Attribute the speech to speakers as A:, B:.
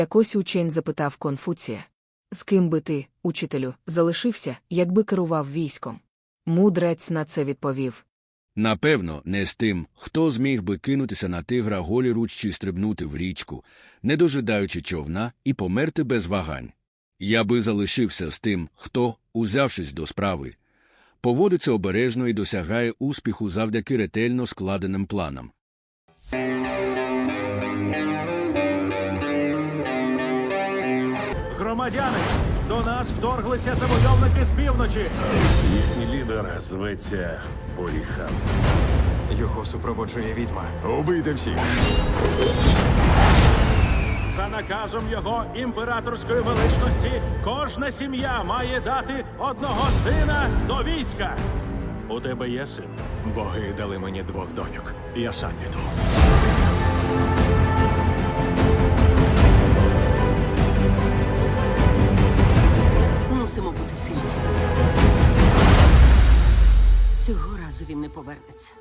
A: Якось учень запитав Конфуція: «З ким би ти, учителю, залишився, якби керував військом?» Мудрець на це відповів:
B: Напевно, не з тим, хто зміг би кинутися на тигра голіруч чи стрибнути в річку, не дожидаючи човна, і померти без вагань. Я би залишився з тим, хто, узявшись до справи, поводиться обережно і досягає успіху завдяки ретельно складеним планам.
C: Громадяни, до нас вторглися завойовники з півночі.
D: Їхній лідер зветься Боріхан.
E: Його супроводжує відьма.
D: Убийте всіх.
C: За наказом його імператорської величності кожна сім'я має дати одного сина до війська. У тебе є син?
D: Боги дали мені 2 доньок. Я сам піду.
F: Мусимо бути сильні. Цього разу він не повернеться.